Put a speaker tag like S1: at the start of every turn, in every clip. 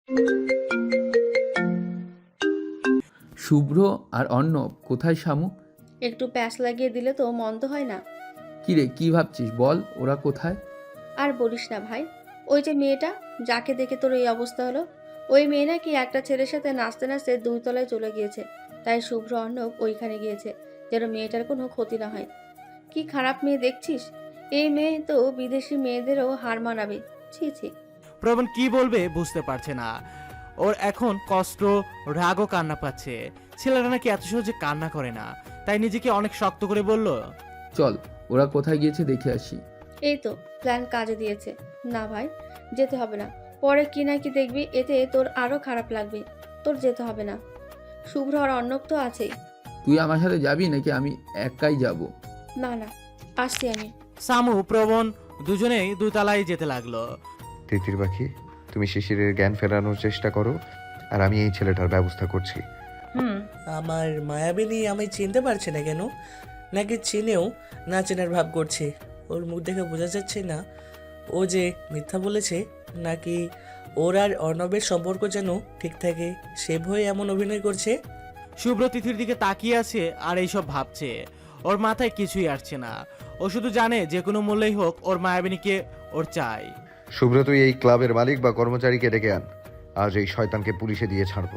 S1: শুভ্র আর অর্ণব কোথায় শামু?
S2: একটু প্যাঁচ লাগিয়ে দিলে তো মন্দ হয় না।
S1: কিরে কি ভাবছিস বল, ওরা কোথায়?
S2: আর বলিস না ভাই, ওই যে মেয়েটা যাকে দেখে তোর এই অবস্থা হলো, ওই মেয়ে নাকি একটা ছেলের সাথে নাচতে নাচতে 2 তলায় চলে গিয়েছে। তাই শুভ্র অর্ণব ওইখানে গিয়েছে যেন মেয়েটার কোনো ক্ষতি না হয়। কি খারাপ মেয়ে দেখছিস, এই মেয়ে তো বিদেশি মেয়েদেরও হার মানাবে। ছি ছি।
S3: প্রবণ কি বলবে বুঝতে পারছে না। ওর এখন কষ্ট, রাগ ও কান্না পাচ্ছে। ছেলেরা নাকি এত সহজে কান্না করে না, তাই নিজেকে অনেক শক্ত করে বলল,
S1: চল ওরা কোথায় গিয়েছে দেখে আসি।
S2: এই তো প্ল্যান কাজে দিয়েছে। না ভাই, যেতে হবে না। পরে কি না কি দেখবি, এতে তোর আরো খারাপ লাগবে। তোর যেতে হবে না, শুভ্র আর অর্ণব তো আছেই।
S1: তুই আমার সাথে যাবি নাকি আমি একাই যাব?
S2: না না, আসছি আমি।
S3: সামু প্রবণ দুজনেই 2 তলায় যেতে লাগলো।
S4: তিতির পাখি, তুমি শিশিরের জ্ঞান ফেরানোর চেষ্টা করো, আর আমি এই ছেলেটার ব্যবস্থা করছি।
S5: আমার মায়াবিনী আমায় চিনতে পারছে না কেন? নাকি চিনেও না চেনার ভাব করছে? ওর মুখ দেখে বোঝা যাচ্ছে না ও যে মিথ্যা বলেছে, নাকি ওর আর অর্ণবের সম্পর্ক যেন ঠিক থাকে সে ভয়ে এমন অভিনয় করছে।
S3: শুভ্র তিথির দিকে তাকিয়ে আছে আর এইসব ভাবছে। ওর মাথায় কিছুই আসছে না। ও শুধু জানে যে কোনো মূল্যেই হোক ওর মায়াবিনীকে ওর চাই।
S4: শুভ্র, তুই এই ক্লাবের মালিক বা কর্মচারীকে ডেকে আন। আজ এই শয়তানকে পুলিশে দিয়ে ছাড়বো।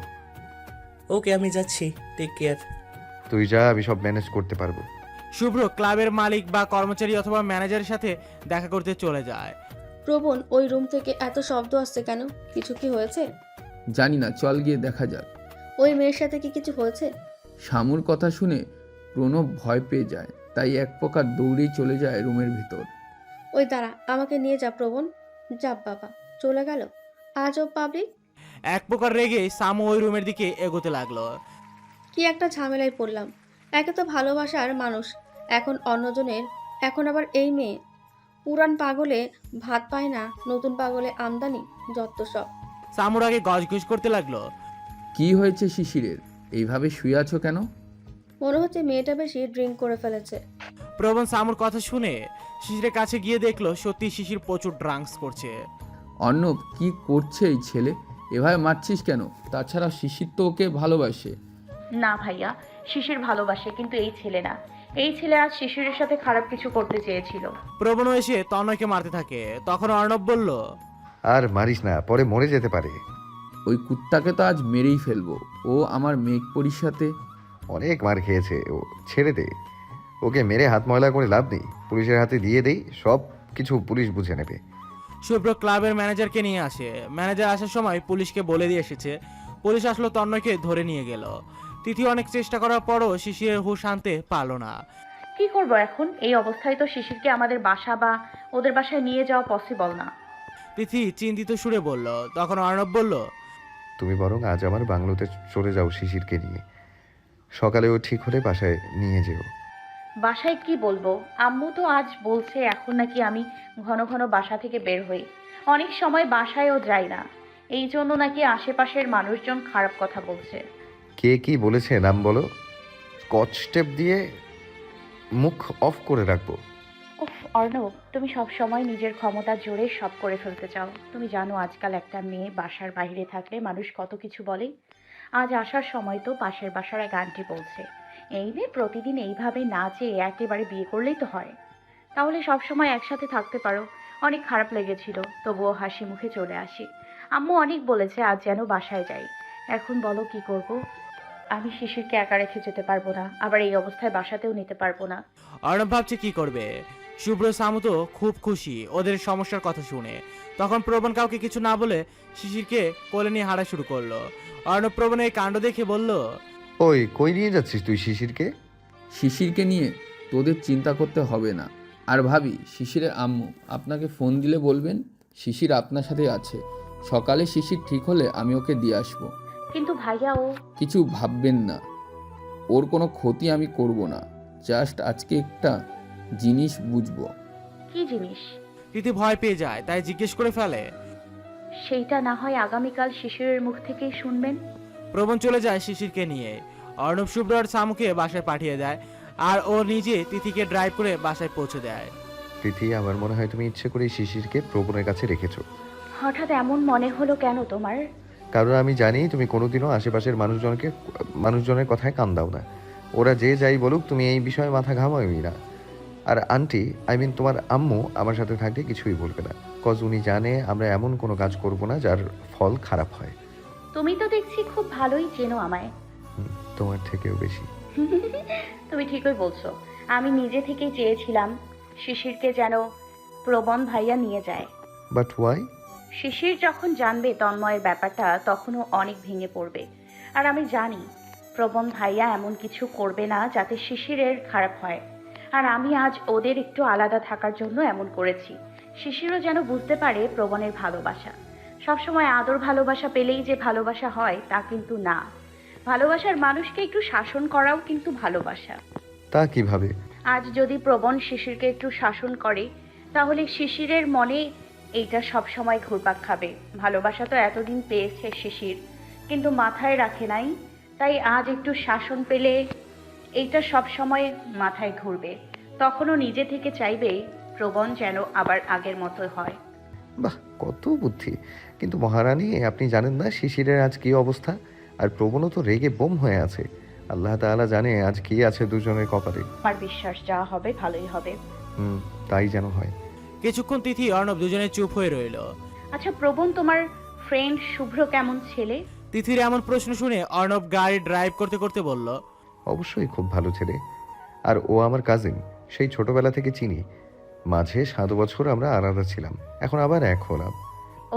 S5: ওকে, আমি যাচ্ছি, টেক কেয়ার।
S4: তুই যা, আমি সব ম্যানেজ করতে পারবো।
S3: শুভ্র ক্লাবের মালিক বা কর্মচারী অথবা ম্যানেজারের সাথে দেখা করতে চলে যায়।
S2: প্রবণ, ওই রুম থেকে এত শব্দ আসছে কেন? কিছু কি হয়েছে?
S1: জানি না, চল গিয়ে দেখা যাক।
S2: ওই মেয়ের সাথে কি কিছু হয়েছে?
S1: শামুর কথা শুনে প্রণব ভয় পেয়ে যায়, তাই এক প্রকার দৌড়েই চলে যায় রুমের ভিতর।
S2: ওই দাঁড়া, আমাকে নিয়ে যা প্রবণ। যা বাবা, চলে গেল আজও পাবলিক।
S3: এক প্রকার রেগে সামু ওই রুমের দিকে এগোতে লাগলো।
S2: কি একটা ঝামেলায় পড়লাম। একে তো ভালোবাসার মানুষ, এখন অন্যজনের, এখন আবার এই মেয়ে। পুরান পাগলে ভাত পায় না, নতুন পাগলে আমদানি, যত সব।
S3: সামুর আগে গজঘুষ করতে লাগলো।
S1: কি হয়েছে শিশিরের, এইভাবে শুয়ে আছো কেন?
S2: মনে হচ্ছে মেয়েটা বেশি ড্রিঙ্ক করে ফেলেছে।
S3: প্রবণ সামুর কথা শুনে শিশিরের কাছে গিয়ে দেখলো সত্যি শিশির প্রচুর ড্রাঙ্কস করছে।
S1: অর্ণব, কি করছে এই ছেলে? এভাবে মারছিস কেন? তাছাড়া শিশির তো ওকে ভালোবাসে।
S6: না ভাইয়া, শিশির ভালোবাসে, কিন্তু এই ছেলে না। এই ছেলে আজ শিশিরের সাথে খারাপ কিছু করতে চেয়েছিল।
S3: প্রবণ এসে তনয়কে মারতে থাকে। তখন অর্ণব বলল,
S4: আর মারিস না, পরে মরে যেতে পারে।
S1: ওই কুত্তাকে তো আজ মেরেই ফেলবো। ও আমার মেঘপরির সাথে।
S4: অনেক মার খেয়েছে ও, ছেড়ে দে। ওকে মেরে হাত ময়লা করে লাভ নেই, পুলিশের হাতে দিয়ে দেই, সব কিছু পুলিশ বুঝে নেবে।
S3: শুভ্র ক্লাবের ম্যানেজারকে নিয়ে আসে। ম্যানেজার আসার সময় পুলিশকে বলে দিয়ে এসেছে। পুলিশ আসলো, তন্ময়কে ধরে নিয়ে গেল। তিথি অনেক চেষ্টা করার পরও শিশিরের হুঁশ আনতে পারলো না।
S6: কি করব এখন? এই অবস্থায় তো শিশিরকে আমাদের বাসা বা ওদের বাসায় নিয়ে যাওয়া পসিবল না।
S3: তিথি চিন্তিত সুরে বলল। তখন অর্ণব বলল,
S4: তুমি বরং আজ আমার বাংলোতে চলে যাও শিশিরকে নিয়ে। সকালে ও ঠিক হলে বাসায় নিয়ে যেও।
S6: বাসায় কি বলবো? আম্মু তো আজ বলছে এখন নাকি আমি ঘন ঘন বাসা থেকে বের হই। অনেক সময় বাসায়ও যাই না, এই জন্য নাকি আশেপাশের মানুষজন খারাপ কথা বলছে।
S4: কে কি বলেছে নাম বলো, স্কচ টেপ দিয়ে মুখ অফ করে রাখবো।
S6: উফ অর্ণব, তুমি সব সময় নিজের ক্ষমতার জোরে সব করে ফেলতে চাও। তুমি জানো আজকাল একটা মেয়ে বাসার বাইরে থাকলে মানুষ কত কিছু বলে। আজ আসার সময় তো পাশের বাসার এক আন্টি বলছে, এই মেয়ে প্রতিদিন এইভাবে নাচে, একেবারে বিয়ে করলেই তো হয়। তাহলে সব সময় একসাথে থাকতে পারো। অনেক খারাপ লেগেছিল, তবুও হাসি মুখে চলে আসি। আম্মু অনেক বলেছে আজ যেন বাসায় যাই। এখন বলো কি করব? আমি শিশিরকে একা রেখে যেতে পারবো না, আবার এই অবস্থায় বাসাতেও নিতে পারবো না।
S3: অর্ণব ভাবছে কি করবে। শুভ্র সামু তো খুব খুশি ওদের সমস্যার কথা শুনে। তখন প্রবণ কাউকে কিছু না বলে শিশিরকে কোলে নিয়ে হাঁটা শুরু করলো। অর্ণব প্রবণের এই কাণ্ড দেখে বলল,
S4: ওই কই নিয়ে যাচ্ছিস তুই শিশিরকে?
S1: শিশিরকে নিয়ে তোদের চিন্তা করতে হবে না। আর ভাবি, শিশিরের আম্মু আপনাকে ফোন দিলে বলবেন শিশির আপনার সাথে আছে। সকালে শিশির ঠিক হলে আমি ওকে দিয়ে আসবো।
S6: কিন্তু ভাইয়া ও।
S1: কিছু ভাববেন না, ওর কোনো ক্ষতি আমি করব না। জাস্ট আজকে একটা জিনিস বুঝবো।
S6: কি জিনিস?
S3: তিথি ভয় পেয়ে যায়, তাই জিজ্ঞেস করে ফেলে।
S6: সেইটা না হয় আগামীকাল শিশিরের মুখ থেকেই শুনবেন।
S3: প্রবণ চলে যায় শিশিরকে নিয়ে। অর্ণব শুভ্র আর সামুকে বাসায় পাঠিয়ে দেয়, আর ও নিজে তিথিকে ড্রাইভ করে বাসায় পৌঁছে দেয়।
S4: তিথি, আমার মনে হয় তুমি ইচ্ছে করে শিশিরকে প্রবণের কাছে রেখেছো।
S6: হঠাৎ এমন মনে হলো কেন তোমার?
S4: কারণ আমি জানি তুমি কোনোদিনও আশেপাশের মানুষজনের কথায় কান দাও না। ওরা যে যাই বলুক তুমি এই বিষয়ে মাথা ঘামাওই না। আর আন্টি, তোমার আম্মু আমার সাথে থাকলে কিছুই বলবে না, কজ উনি জানে আমরা এমন কোনো কাজ করব না যার ফল খারাপ হয়।
S6: তুমি তো দেখছি খুব ভালোই চেনো আমায়।
S4: তোমার থেকেও বেশি।
S6: তুমি ঠিকই বলছো। আমি নিজে থেকেই চেয়েছিলাম শিশিরকে যেন প্রবণ ভাইয়া নিয়ে যায়।
S4: But why?
S6: শিশির যখন জানবে তন্ময়ের ব্যাপারটা তখনও অনেক ভেঙে পড়বে। আর আমি জানি প্রবণ ভাইয়া এমন কিছু করবে না যাতে শিশিরের খারাপ হয়। আর আমি আজ ওদের একটু আলাদা থাকার জন্য এমন করেছি। শিশিরও যেন বুঝতে পারে প্রবণের ভালোবাসা। সবসময় আদর ভালোবাসা পেলেই যে ভালোবাসা হয় তা কিন্তু না। ভালোবাসার মানুষকে একটু শাসন করাও কিন্তু ভালোবাসা।
S4: তা কিভাবে?
S6: আজ যদি প্রবণ শিশিরকে একটু শাসন করে তাহলে শিশিরের মনে এইটা সব সময় ঘুরপাক খাবে। ভালোবাসা তো এতদিন পেয়েছে শিশির, কিন্তু মাথায় রাখে নাই। তাই আজ একটু শাসন পেলে এইটা সব সময় মাথায় ঘুরবে। তখনও নিজে থেকে চাইবে প্রবণ যেন আবার আগের মতো হয়।
S4: বাহ, কত বুদ্ধি! কিন্তু মহারানী, আপনি জানেন না শিশিরের আজ কি অবস্থা? আর প্রবণও তো রেগে বোম হয়ে আছে। আল্লাহ তাআলা জানে আজ কি আছে দুজনের কপালে।
S6: আমার বিশ্বাস যা হবে ভালোই হবে।
S4: তাই যেন হয়।
S3: কিছুক্ষণ তিথি অর্ণব দুজনে চুপ হয়ে রইল।
S6: আচ্ছা প্রবণ, তোমার ফ্রেন্ড শুভ্র কেমন ছেলে?
S3: তিথির এমন প্রশ্ন শুনে অর্ণব গাড়ি ড্রাইভ করতে করতে বলল,
S4: অবশ্যই খুব ভালো ছেলে। আর ও আমার কাজিন, সেই ছোটবেলা থেকে চিনি। মাঝে 7 বছর আমরা আলাদা ছিলাম, এখন আবার এক হলাম।
S6: ও,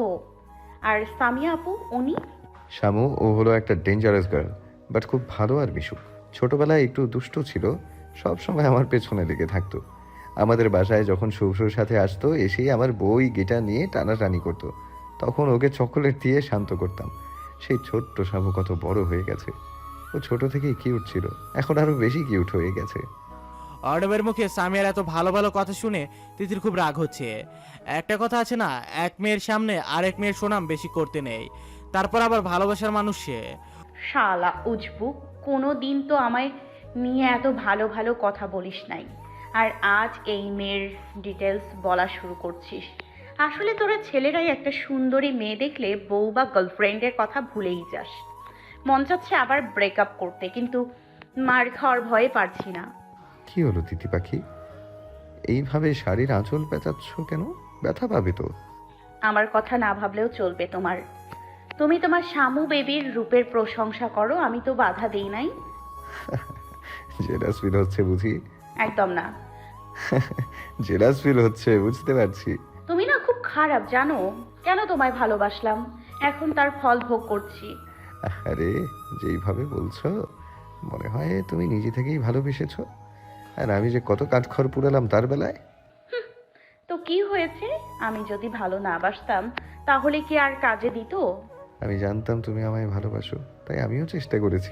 S6: আর সামিয়া আপু উনি?
S4: শামু, ও হলো একটা ডেঞ্জারাস গার্ল, বাট খুব ভালো আর মিশুক। ছোটবেলায় একটু দুষ্ট ছিল, সব সময় আমার পেছনে লেগে থাকতো। আমাদের বাসায় যখন শুভ্রর সাথে আসতো, এসেই আমার বই গিটার নিয়ে টানাটানি করতো। তখন ওকে চকোলেট দিয়ে শান্ত করতাম। সেই ছোট্ট শামু কত বড় হয়ে গেছে। ও ছোট থেকেই কিউট ছিল, এখন আরো বেশি কিউট হয়ে গেছে।
S3: অর্ণবের মুখে সামিয়ার এত ভালো ভালো কথা শুনে তিথির খুব রাগ হচ্ছে। একটা কথা আছে না, এক মেয়ের সামনে আরেক মেয়ের সুনাম বেশি করতে নেই। তারপর আবার ভালোবাসার মানুষ সে।
S6: শালা উজবু, কোনো দিন তো আমায় নিয়ে এত ভালো ভালো কথা বলিস নাই, আর আজ এই মেয়ের ডিটেলস বলা শুরু করছিস। আসলে তোরা ছেলেরাই একটা সুন্দরী মেয়ে দেখলে বউ বা গার্লফ্রেন্ডের কথা ভুলেই যাস। মন চাচ্ছে আবার ব্রেকআপ করতে, কিন্তু মার খাওয়ার ভয়ে পারছি না।
S4: কি হলো তিতি পাখি, এইভাবে শাড়ির আঁচল পেঁচাচ্ছ কেন? ব্যথা পাবে তো।
S6: আমার কথা না ভাবলেও চলবে তোমার। তুমি তোমার শামু বেবির রূপের প্রশংসা করো, আমি তো বাধা দেই নাই।
S4: জেলাস ফিল হচ্ছে বুঝি?
S6: একদম না।
S4: জেলাস ফিল হচ্ছে, বুঝতে পারছি।
S6: তুমি না খুব খারাপ জানো। কেন তোমায় ভালোবাসলাম, এখন তার ফল ভোগ করছি।
S4: আরে, যেইভাবে বলছো মনে হয় তুমি নিজে থেকেই ভালোবেসেছো। আর আমি যে কত কাঠখড় পুড়ালাম তার বেলায়।
S6: তো কি হয়েছে, আমি যদি ভালো না বাসতাম তাহলে কি আর কাজে দিত?
S4: আমি জানতাম তুমি আমায় ভালোবাসো, তাই আমিও চেষ্টা করেছি।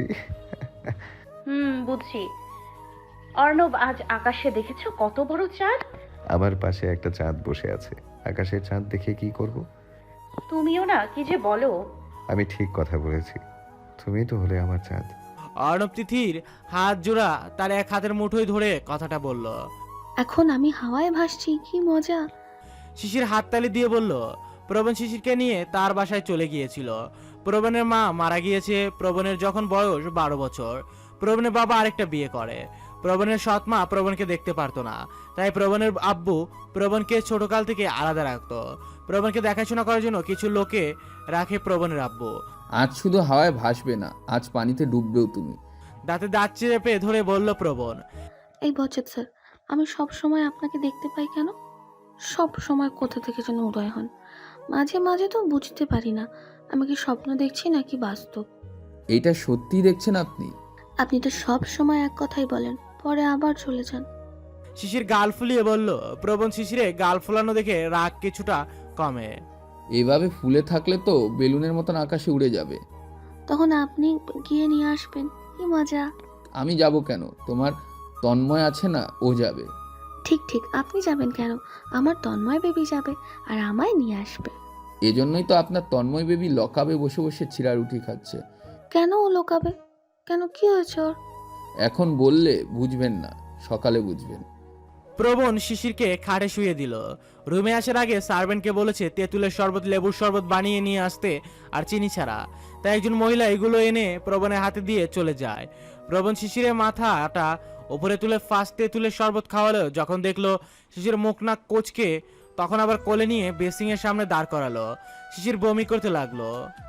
S6: বুঝছি। অর্ণব, আজ আকাশে দেখেছো কত বড় চাঁদ?
S4: আমার পাশে একটা চাঁদ বসে আছে, আকাশের চাঁদ দেখে কি করব?
S6: তুমিও না কি যে বলো।
S4: আমি ঠিক কথা বলেছি, তুমি তো হলে আমার চাঁদ।
S3: অর্ণব তিথির হাত জোড়া তার এক হাতের মুঠোয় ধরে কথাটা বলল।
S7: এখন আমি হাওয়ায় ভাসছি, কি মজা।
S3: শিশির হাততালি দিয়ে বলল, প্রবণ শিশিরকে নিয়ে তার বাসায় চলে গিয়েছিল। প্রবণের মা মারা গিয়েছে প্রবণের যখন বয়স 12 বছর। প্রবণের বাবা আরেকটা বিয়ে করে। প্রবণের সৎ মা প্রবণকে দেখতে পারতো না, তাই প্রবণের আব্বু প্রবণকে ছোটকাল থেকে আলাদা রাখতো। প্রবণকে দেখাশোনা করার জন্য কিছু লোকে রাখে প্রবণের আব্বু।
S1: আজ শুধু হাওয়ায় ভাসবে না, আজ পানিতে ডুববেও তুমি।
S3: দাঁতে দাঁত চেপে ধরে বলল প্রবণ।
S7: এই বচত স্যার, আমি সব সময় আপনাকে দেখতে পাই কেন? সব সময় কোথা থেকে যেন উদয় হন। মাঝে মাঝে তো বুঝতে পারি না আমি কি স্বপ্ন দেখছি নাকি বাস্তব।
S1: এইটা সত্যি দেখছেন আপনি?
S7: আপনি তো সব সময় এক কথাই বলেন, পরে আবার চলে যান।
S3: শিশির গাল ফুলিয়ে বলল। প্রবণ শিশিরে গাল ফুলানো দেখে রাগ কিছুটা কমে।
S1: এভাবে ফুলে থাকলে তো বেলুনের মতন আকাশে উড়ে যাবে।
S7: তখন আপনি গিয়ে নিয়ে আসবেন, কি মজা।
S1: আমি যাব কেন? তোমার তন্ময় আছে না, ও যাবে।
S7: ঠিক ঠিক, আপনি যাবেন কেন? আমার তন্ময় বেবি যাবে আর আমায় নিয়ে আসবে।
S1: এজন্যই তো আপনার তন্ময় বেবি লকাবে বসে বসে চিড়ারুটি খাচ্ছে।
S7: কেন ও লোকাবে? কেন, কি হয়েছে ওর?
S1: এখন বললে বুঝবেন না, সকালে বুঝবেন।
S3: প্রবণ শিশিরকে খাটে শুয়ে দিল। রুমে আসার আগে সার্ভেন্টকে বলেছে তেঁতুলের শরবত লেবুর শরবত বানিয়ে নিয়ে আসতে, আর চিনি ছাড়া। তাই একজন মহিলা এগুলো এনে প্রবণের হাতে দিয়ে চলে যায়। প্রবণ শিশিরের মাথাটা উপরে তুলে ফার্স্টে তুলে শরবত খাওয়ালো। যখন দেখলো শিশির মুখ নাক কোচকে, তখন আবার কোলে নিয়ে বেসিংয়ের সামনে দাঁড় করালো। শিশির বমি করতে লাগলো।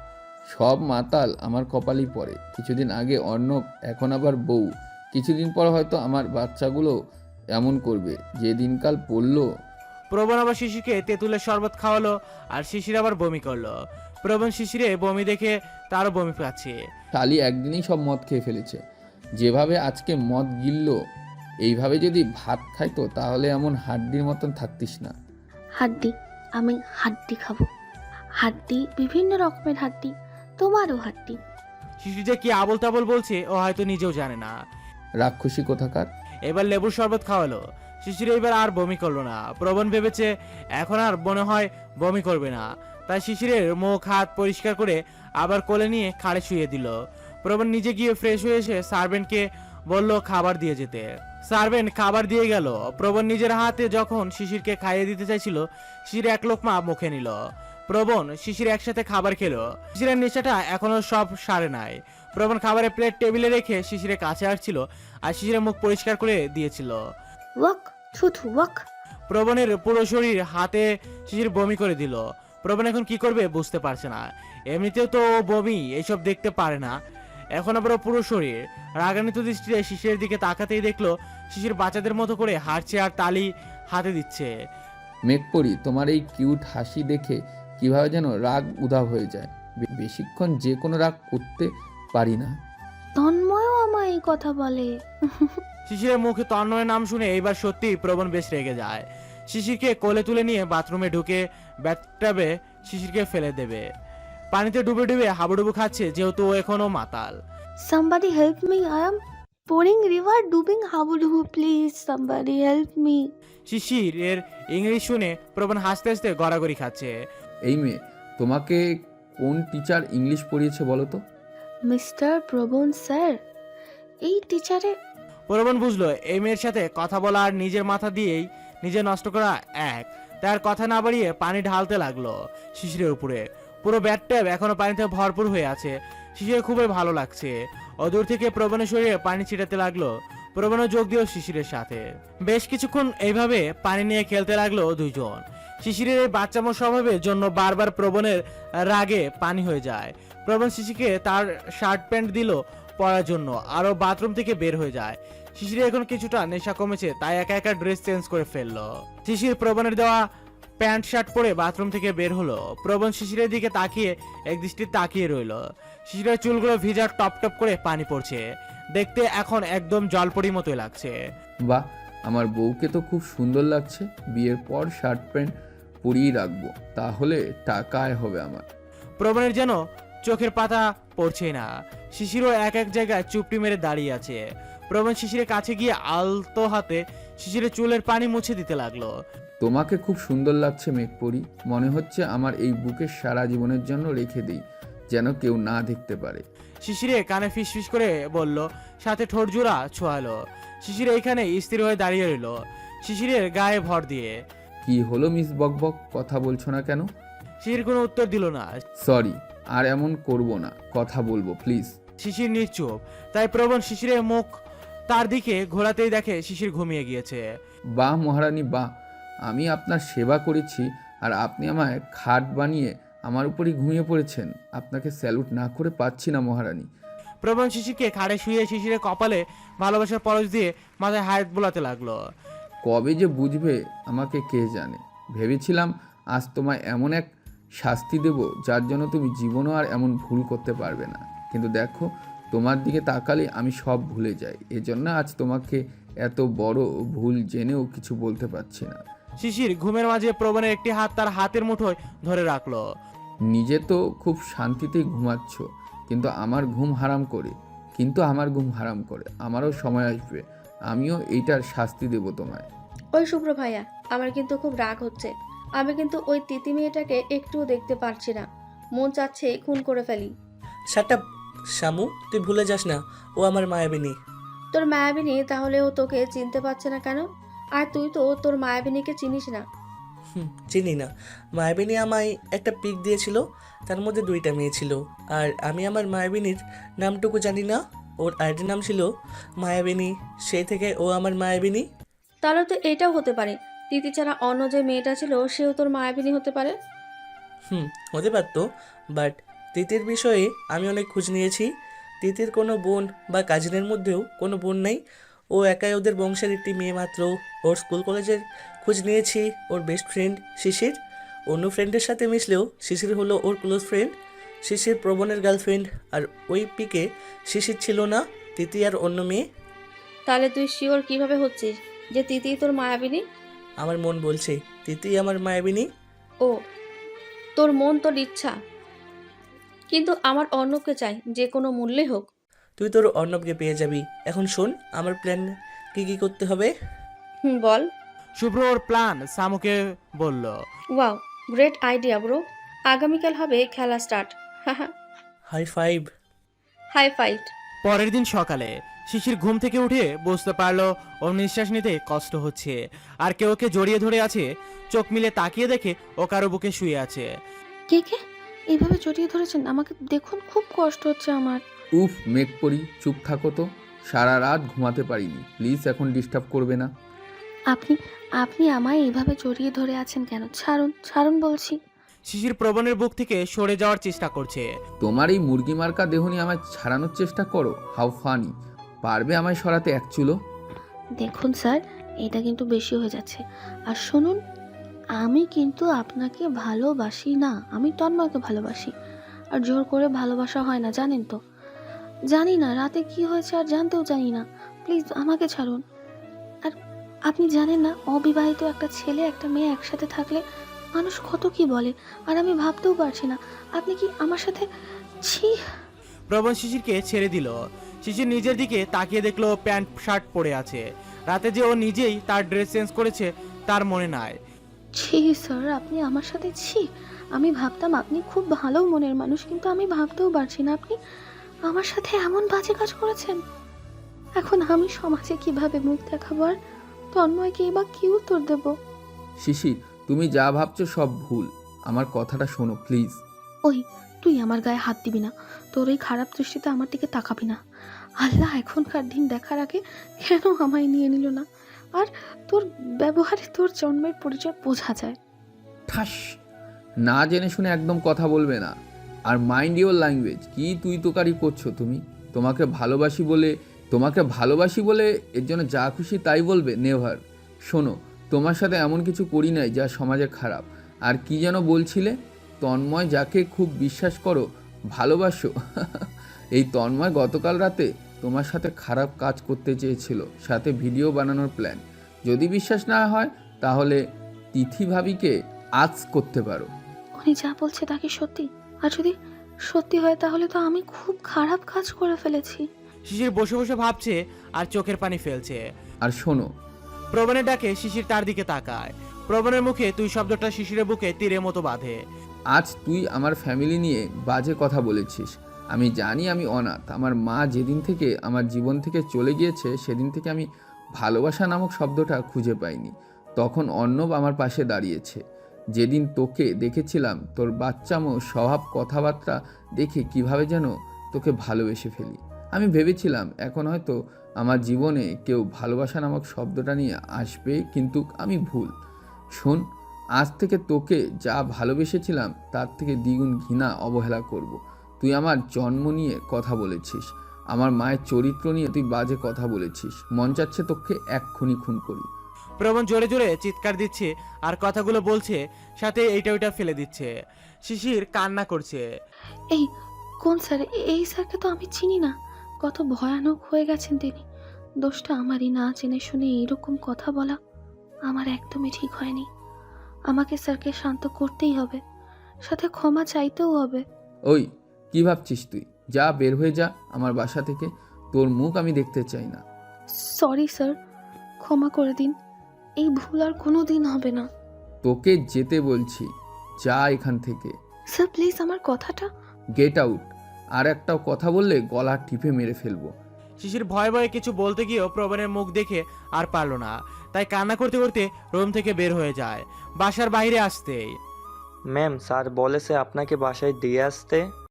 S1: সব মাতাল আমার কপালই পড়ে। কিছুদিন আগে অর্ণব, এখন আবার বউ। কিছুদিন পর হয়তো আমার বাচ্চাগুলো এমন করবে। যে দিনকাল পড়লো।
S3: প্রবণ আবার শিশিরকে তেঁতুলের শরবত খাওয়ালো আর শিশির আবার বমি করলো। প্রবণ শিশিরে বমি দেখে তারও বমি পাচ্ছে।
S1: শালি একদিনেই সব মদ খেয়ে ফেলেছে। যেভাবে আজকে মদ গিলল, এইভাবে যদি ভাত খাইতো তাহলে এমন হাড্ডির মতন থাকতিস না।
S7: হাড্ডি? আমি হাড্ডি খাবো? হাড্ডি, বিভিন্ন রকমের হাড্ডি, তোমারও হাড্ডি।
S3: শিশির যে কি আবল তাবল বলছে ও হয়তো নিজেও জানে না।
S1: রাক্ষসী কোথাকার।
S3: এবার লেবুর শরবত খাওয়ালো। শিশির এবার আর বমি করলো না। প্রবণ ভেবেছে এখন আর মনে হয় বমি করবে না। তাই শিশিরের মুখ হাত পরিষ্কার করে আবার কোলে নিয়ে খাড়ে শুয়ে দিল। প্রবণ নিজে গিয়ে ফ্রেশ হয়ে এসে সার্ভেন্টকে বলল খাবার দিয়ে যেতে। সার্ভেন্ট খাবার দিয়ে গেল। প্রবণ নিজের হাতে যখন শিশিরকে খাইয়ে দিতে চাইছিল, শিশির এক লোকমা মুখে নিল। প্রবণ শিশির একসাথে খাবার খেলো। শিশিরের নেশাটা এখনো সব সারে নাই। প্রবণ খাবারের প্লেট টেবিলে রেখে শিশিরের কাছে আসছিল আর শিশিরের মুখ পরিষ্কার করে দিয়েছিল।
S7: ওয়াক থুথু ওয়াক।
S3: প্রবণের পুরো শরীর হাতে শিশির বমি করে দিল। প্রবণ এখন কি করবে বুঝতে পারছে না। এমনিতেও তো ও বমি এইসব দেখতে পারে না, এখন আবার ওর পুরো শরীর। রাগান্বিত দৃষ্টিতে শিশিরের দিকে তাকাতেই দেখলো শিশির বাচ্চাদের মতো করে হাঁটছে আর তালি হাতে দিচ্ছে।
S1: মেঘপরি, তোমার এই কিউট হাসি দেখে কিভাবে যেন রাগ উধাও হয়ে যায়। বেশিক্ষণ যে কোনো রাগ করতে পারি না।
S7: তন্ময়ও আমায় এই কথা বলে।
S3: শিশিরের মুখে তন্ময়ের নাম শুনে এইবার সত্যি প্রবণ বেশ রেগে যায়। শিশিরকে কোলে তুলে নিয়ে বাথরুমে ঢুকে ব্যাথটাবে শিশিরকে ফেলে দেবে। পানিতে ডুবে ডুবে হাবুডুবু খাচ্ছে, যেহেতু ও এখনো মাতাল।
S7: Somebody help me, I am pouring river ডুবিং হাবুডুবু, প্লিজ somebody help me.
S3: শিশিরের ইংলিশ শুনে প্রবণ হাসতে হাসতে গড়াগড়ি খাচ্ছে।
S1: এই মেয়ে, তোমাকে কোন টিচার ইংলিশ পড়িয়েছে বলো তো?
S7: মিস্টার প্রবণ স্যার। এই টিচারে
S3: প্রবণ বুঝলো এই মেয়ের সাথে কথা বলা আর নিজের মাথা দিয়েই নিজে নষ্ট করা এক। তার কথা না বাড়িয়ে পানি ঢালতে লাগলো শিশিরের উপরে। পুরো ব্যাটট্যাব এখনো পানিতে ভরপুর হয়ে আছে। শিশিরের খুবই ভালো লাগছে। অদূর থেকে প্রবণের শরীরে পানি ছিটাতে লাগলো। প্রবণও যোগ দিল শিশিরের সাথে। বেশ কিছুক্ষণ এইভাবে পানি নিয়ে খেলতে লাগলো দুইজন। শিশিরের এই বাচ্চামো স্বভাবের জন্য বারবার প্রবণের রাগে পানি হয়ে যায়। প্রবণ শিশিরকে তার শার্ট প্যান্ট দিল পরার জন্য, আরও বাথরুম থেকে বের হয়ে যায়। শিশিরের এখন কিছুটা নেশা কমেছে, তাই একা একা ড্রেস চেঞ্জ করে ফেললো। শিশির প্রবণের দেওয়া প্যান্ট শার্ট পরে বাথরুম থেকে বের হলো। প্রবণ শিশিরের দিকে তাকিয়ে এক দৃষ্টি তাকিয়ে রইলো। শিশিরের চুলগুলো ভিজা টপ টপ করে পানি পড়ছে। দেখতে এখন একদম জলপরি মতোই লাগছে।
S1: বাহ, আমার বউকে তো খুব সুন্দর লাগছে। বিয়ের পর শার্ট প্যান্ট পরিয়েই রাখবো, তাহলে টাকা আয় হবে আমার।
S3: প্রবণের যেন চোখের পাতা পড়ছে না। শিশিরও এক এক জায়গায় চুপটি মেরে দাঁড়িয়ে আছে। প্রবণ শিশিরের কাছে গিয়ে আলতো হাতে শিশিরের চুলের পানি মুছে দিতে লাগলো।
S1: তোমাকে খুব সুন্দর লাগছে মেঘপরি। মনে হচ্ছে আমার এই বুকে সারা জীবনের জন্য রেখে দিই, যেন কেউ না দেখতে পারে।
S3: শিশিরে কানে ফিসফিস করে বলল, সাথে ঠোঁট জোড়া ছোঁয়ালো। শিশির এইখানে স্থির হয়ে দাঁড়িয়ে রইল শিশিরের গায়ে ভর দিয়ে।
S1: কি হলো মিস বকবক, কথা বলছো না কেন?
S3: শিশির কোনো উত্তর দিল না।
S1: সরি, আর এমন করব না, কথা বলবো প্লিজ।
S3: শিশির নিশ্চুপ। তাই প্রবণ শিশিরের মুখ তার দিকে ঘোরাতেই দেখে শিশির ঘুমিয়ে গিয়েছে।
S1: বাহ মহারানী বাহ, আমি আপনার সেবা করেছি আর আপনি আমায় খাট বানিয়ে আমার উপরই ঘুমিয়ে পড়েছেন। আপনাকে স্যালুট না করে পাচ্ছি না মহারানী।
S3: প্রবণ শিশিরকে খাড়ে শুয়ে শিশিরের কপালে ভালোবাসার পরশ দিয়ে মাথায় হাত বোলাতে লাগলো।
S1: কবে যে বুঝবে আমাকে কে জানে। ভেবেছিলাম আজ তোমায় এমন এক শাস্তি দেব যার জন্য তুমি জীবনও আর এমন ভুল করতে পারবে না। কিন্তু দেখো, তোমার দিকে তাকালে আমি সব ভুলে যাই। এজন্য আজ তোমাকে এত বড় ভুল জেনেও কিছু বলতে পারছি না।
S3: শিশির ঘুমের মাঝে প্রবণের একটি হাত তার হাতের মুঠোয় ধরে রাখলো।
S1: নিজে তো খুব শান্তিতেই ঘুমাচ্ছ, কিন্তু আমার ঘুম হারাম করে। আমারও সময় আসবে, আমিও এইটার শাস্তি দেব তোমায়।
S2: ওই শুভ্র ভাইয়া, আমার কিন্তু খুব রাগ হচ্ছে। আমি কিন্তু ওই তিতি মেয়েটাকে একটুও দেখতে পারছি না। মন চাচ্ছে খুন করে ফেলি।
S5: শাটা শামু, তুই ভুলে যাস না ও আমার মায়াবিনী।
S2: তোর মায়াবিনী? তাহলে ও তোকে চিনতে পারছে না কেন? আর তুই তো তোর মায়াবিনীকে চিনিস না।
S5: চিনি না। মায়াবিনী আমায় একটা পিক দিয়েছিল, তার মধ্যে 2টা মেয়ে ছিল। আর আমি আমার মায়াবিনীর নামটুকু জানি না। ওর আইডি নাম ছিল মায়াবিনী, সেই থেকে ও আমার মায়াবিনী।
S2: তাহলে তো এটাও হতে পারে, তিথি ছাড়া অন্য যে মেয়েটা ছিল সেও তোর মায়াবিনী হতে পারে।
S5: হতে পারতো, বাট তিতির বিষয়ে আমি অনেক খোঁজ নিয়েছি। তিতির কোনো বোন বা কাজিনের মধ্যেও কোনো বোন নেই। ও একাই ওদের বংশের একটি মেয়ে মাত্র। ওর স্কুল কলেজের খোঁজ নিয়েছি। ওর বেস্ট ফ্রেন্ড শিশির, অন্য ফ্রেন্ডের সাথে মিশলেও শিশির হলো ওর ক্লোজ ফ্রেন্ড। শিশির প্রবণের গার্লফ্রেন্ড। আর ওই পিকে শিশির ছিল না, তিতি আর অন্য মেয়ে।
S2: তাহলে তুই শিওর কিভাবে হচ্ছিস যে তিথি তোর মায়াবিনী?
S5: আমার মন বলছে তিতি আমার মায়াবিনী।
S2: ও, তোর মন তোর ইচ্ছা, কিন্তু আমার অর্ণবকে চাই, যে কোনো মূল্যে হোক।
S5: তুই তোর অর্ণবকে পেয়ে যাবি। এখন শোন আমার প্ল্যান কী কী করতে হবে।
S2: বল।
S3: শুভ্র ওর প্ল্যান সামুকে বলল।
S2: Wow, great idea bro. আগামীকাল হবে খেলা স্টার্ট। হাহা,
S5: হাই ফাইভ।
S2: High five.
S3: পরের দিন সকালে শিশির ঘুম থেকে উঠে বুঝতে পারলো ওর নিঃশ্বাস নিতে কষ্ট হচ্ছে, আর কেউ ওকে জড়িয়ে ধরে আছে। চোখ মিলে তাকিয়ে দেখে ও কারো বুকে শুয়ে আছে।
S7: কে কে এইভাবে জড়িয়ে ধরেছেন আমাকে? দেখুন, খুব কষ্ট হচ্ছে আমার।
S1: উফ মেঘ পড়ি, চুপ থাকো তো। সারা রাত ঘুমাতে পারিনি, প্লিজ এখন ডিস্টার্ব করবে না।
S7: আপনি আপনি আমায় এইভাবে জড়িয়ে ধরে আছেন কেন? ছাড়ুন, ছাড়ুন বলছি।
S3: শিশির প্রবণের বুক থেকে সরে যাওয়ার চেষ্টা করছে।
S1: তোমার এই মুরগি মার্কা দেহ নিয়ে আমায় ছাড়ানোর চেষ্টা করো? How funny. পারবে আমায় সরাতে এক চুলো?
S7: দেখুন স্যার, এটা কিন্তু বেশি হয়ে যাচ্ছে। আর শুনুন, আমি কিন্তু আপনাকে ভালোবাসি না, আমি তন্ময়কে ভালোবাসি। আর জোর করে ভালোবাসা হয় না, জানেন তো। জানি না রাতে কি হয়েছে, আর জানতেও জানি না। প্লিজ আমাকে ছাড়ুন। আর আপনি জানেন না, অবিবাহিত একটা ছেলে একটা মেয়ে একসাথে থাকলে মানুষ কত কি বলে, আর আমি ভাবতেও পারছি না আপনি কি আমার সাথে। ছি।
S3: প্রবণ শিশিরকে ছেড়ে দিল। শিশির নিজের দিকে তাকিয়ে দেখলো প্যান্ট শার্ট পরে আছে। রাতে যে ও নিজেই তার ড্রেস চেঞ্জ করেছে তার মনে নাই।
S7: ছি স্যার, আপনি আমার সাথে ছি। আমি ভাবতাম আপনি খুব ভালো মনের মানুষ, কিন্তু আমি ভাবতেও পারছি না আপনি আমার সাথে এমন বাজে কাজ করেছেন। এখন আমি সমাজে কিভাবে মুখ দেখাবো, আর তন্ময়কে এবার কি উত্তর দেব?
S1: শিশির, তুমি যা ভাবছো সব ভুল। আমার কথাটা শোনো প্লিজ।
S7: ওই, তুই আমার গায়ে হাত দিবি না। তোর এই খারাপ দৃষ্টিতে আমার দিকে তাকাবি না। আল্লাহ এখনকার দিন দেখার আগে কেন আমায় নিয়ে নিল না? আর তোর ব্যবহারে তোর জন্মের পরিচয় বোঝা যায়।
S1: ঠাস। না জেনে শুনে একদম কথা বলবে না। আর মাইন্ড ইওর ল্যাঙ্গুয়েজ। কি তুই তোকারি করছো তুমি? তোমাকে ভালোবাসি বলে এর জন্য যা খুশি তাই বলবে? নেভার। শোনো, তোমার সাথে এমন কিছু করি নাই যা সমাজে খারাপ। আর কি যেন বলছিলে? তন্ময় যাকে খুব বিশ্বাস করো, ভালোবাসো। এই তন্ময় গতকাল রাতে তোমার সাথে খারাপ কাজ করতে চেয়েছিল, সাথে ভিডিও বানানোর প্ল্যান। যদি বিশ্বাস না হয় তাহলে তিথি ভাবিকে আজ করতে পারো।
S7: উনি যা বলছে তা কি সত্যি? আর যদি সত্যি হয় তাহলে তো আমি খুব খারাপ কাজ করে ফেলেছি।
S3: শিশির বসে বসে ভাবছে আর চোখের পানি ফেলছে।
S1: আর শোনো,
S3: প্রবণের ডাকে শিশির তার দিকে তাকায়। প্রবণের মুখে তুই শব্দটা শিশিরের বুকে তীরের মতো বাঁধে।
S1: আজ তুই আমার ফ্যামিলি নিয়ে বাজে কথা বলেছিস। আমি জানি আমি অনাথ। আমার মা যেদিন থেকে আমার জীবন থেকে চলে গিয়েছে সেদিন থেকে আমি ভালোবাসা নামক শব্দটা খুঁজে পাইনি। তখন অর্ণব আমার পাশে দাঁড়িয়েছে। যেদিন তোকে দেখেছিলাম, তোর বাচ্চামো স্বভাব কথাবার্তা দেখে কিভাবে যেন তোকে ভালোবেসে ফেলি। আমি ভেবেছিলাম এখন হয়তো আমার জীবনে কেউ ভালোবাসা নামক শব্দটা নিয়ে আসবে, কিন্তু আমি ভুল। শোন, আজ থেকে তোকে যা ভালোবেসেছিলাম তার থেকে দ্বিগুণ ঘৃণা অবহেলা করব। তুই আমার জন্ম নিয়ে কথা বলেছিস, আমার মায়ের চরিত্র নিয়ে তুই বাজে কথা বলেছিস। মন চাচ্ছে তোকে এক্ষুনি খুন করি।
S3: প্রবণ জোরে জোরে চিৎকার দিচ্ছে আর কথাগুলো বলছে, সাথে এইটা ওইটা ফেলে দিচ্ছে। শিশির কান্না করছে।
S7: এই কোন স্যার? এই স্যারকে তো আমি চিনি না। কত ভয়ানক হয়ে গেছেন তিনি। দোষটা আমারই, না জেনে শুনে এইরকম কথা বলা আমার একদমই ঠিক হয়নি। আমাকে স্যারকে শান্ত করতেই হবে, সাথে ক্ষমা চাইতেও হবে।
S1: ওই, কি ভাবছিস তুই? যা, বের হয়ে যা আমার বাসা থেকে। তোর মুখ আমি দেখতে চাই না।
S7: সরি স্যার, ক্ষমা করে দিন। এই ভুল আর কোনো দিন হবে না।
S1: তোকে যেতে বলছি, যা এখান থেকে।
S7: স্যার প্লিজ আমার কথাটা।
S1: Get out. আর একটা কথা বললে গলা টিপে মেরে ফেলবো।
S3: শিশির ভয়ে ভয়ে কিছু বলতে গিয়েও প্রবণের মুখ দেখে আর পারল না, তাই কান্না করতে করতে রুম থেকে বের হয়ে যায়। বাসার বাইরে আসতেই
S8: ম্যাম, স্যার বলেছে আপনাকে বাসায় দিয়ে আসতে।